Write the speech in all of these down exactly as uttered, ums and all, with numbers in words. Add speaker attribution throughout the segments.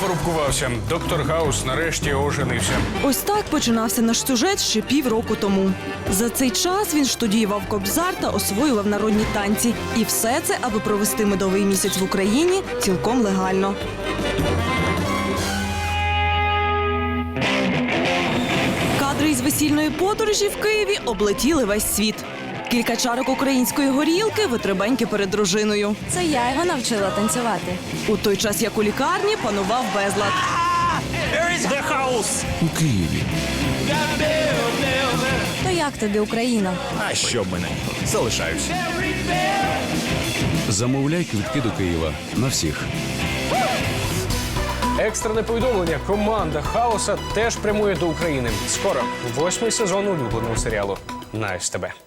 Speaker 1: Допорубкувався. Доктор Хаус нарешті оженився.
Speaker 2: Ось так починався наш сюжет ще півроку тому. За цей час він штудіював кобзар та освоював народні танці. І все це, аби провести медовий місяць в Україні цілком легально. Кадри із весільної подорожі в Києві облетіли весь світ. Кілька чарок української горілки, витребеньки перед дружиною.
Speaker 3: Це я його навчила танцювати.
Speaker 2: У той час, як у лікарні, панував безлад.
Speaker 4: У Києві.
Speaker 3: То як тобі Україна?
Speaker 4: А що б мене? Залишаюсь. Замовляй квитки до Києва на всіх.
Speaker 1: Екстрене повідомлення. Команда Хаоса теж прямує до України. Скоро восьмий сезон улюбленого серіалу на ес те бе.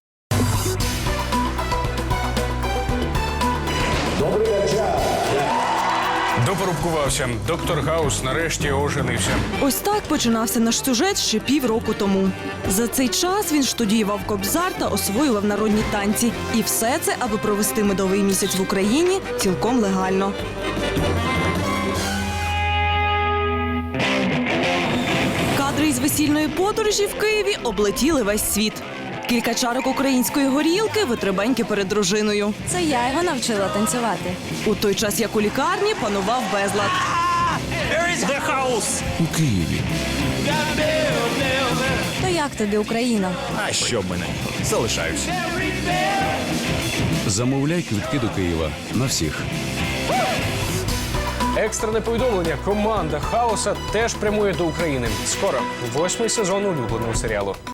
Speaker 1: Допорубкувався. Доктор Хаус нарешті оженився.
Speaker 2: Ось так починався наш сюжет ще півроку тому. За цей час він штудіював кобзар та освоював народні танці. І все це, аби провести медовий місяць в Україні цілком легально. Кадри із весільної подорожі в Києві облетіли весь світ. Кілька чарок української горілки, витребеньки перед дружиною.
Speaker 3: Це я його навчила танцювати.
Speaker 2: У той час, як у лікарні, панував безлад.
Speaker 4: У Києві.
Speaker 3: То як тобі Україна?
Speaker 4: А що б мене? Залишаюсь. Замовляй квитки до Києва на всіх.
Speaker 1: Екстрене повідомлення. Команда Хаоса теж прямує до України. Скоро восьмий сезон улюбленого серіалу